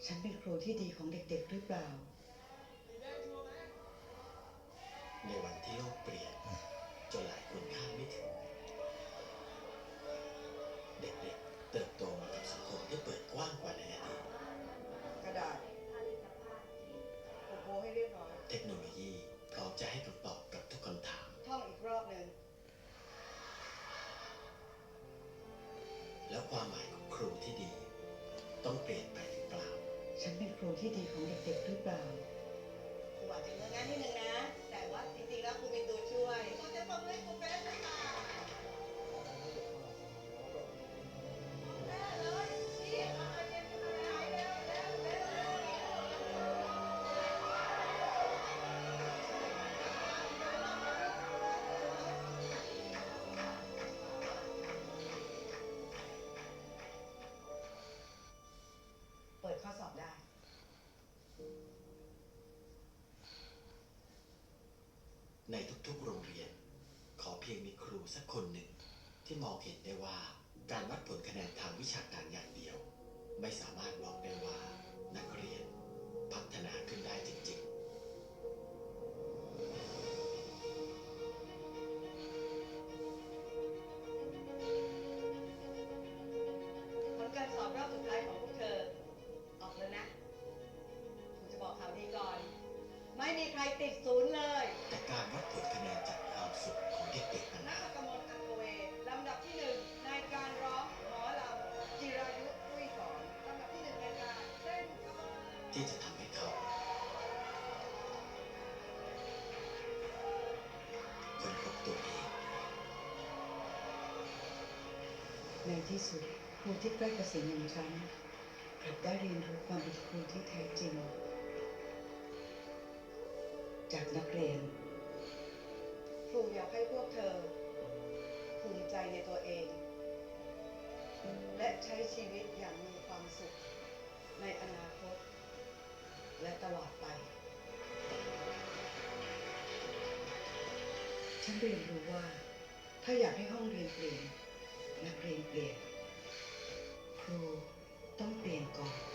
ฉันเป็นครูที่ดีของเด็กๆหรือเปล่าในวันที่โลกเปลี่ยนจนหลายคนคาดไม่ถึงเด็กๆเติบโตมากับสังคมที่เปิดกว้างกว่าในอดีตกระดาษโอ้โหให้เรียบร้อยเทคโนโลยีพร้อมจะให้คำตอบกับทุกคำถามท่องอีกรอบหนึ่งแล้วความหมายของครูที่ดีต้องเปลี่ยนไปหรือเปล่าฉันเป็นครูที่ดีของเด็กๆหรือเปล่าครูอาจจะเลือกงานนิดนึงนะแต่ว่าจริงๆแล้วครูมีตัวช่วยครูจะฟังเรื่องครูเฟสนะคะได้เลยนี่เอาไปเรียนกันเลยเร็วเร็วเร็วเร็วเปิดข้อสอบได้ในทุกๆโรงเรียนขอเพียงมีครูสักคนหนึ่งที่มองเห็นได้ว่าการวัดผลคะแนนทางวิชาการอย่างเดียวไม่สามารถบอกได้ว่านักเรียนพัฒนาขึ้นได้จริงๆผลการสอบรอบสุดท้ายของพวกเธอออกแล้วนะครูจะบอกข่าวดีก่อนไม่มีใครติดศูนย์เลยแต่การวัดผลคะแนนจากความสุขของเด็กๆนั้นนักกมลอังเวลำดับที่หนึ่งในการร้องหมอลำจิรายุตุ้ยสอนลำดับที่หนึ่งในการเต้นกำลังที่จะทำให้เขาค้นพบตัวเองในที่สุดครูที่ใกล้เกษียณอย่างฉันกลับได้เรียนรู้ความเป็นครูที่แท้จริงจากนักเรียนครูอยากให้พวกเธอภูมิใจในตัวเองและใช้ชีวิตอย่างมีความสุขในอนาคตและตลอดไปฉันเรียนรู้ว่าถ้าอยากให้ห้องเรียนเปลี่ยนนักเรียนเปลี่ยนครูต้องเปลี่ยนก่อน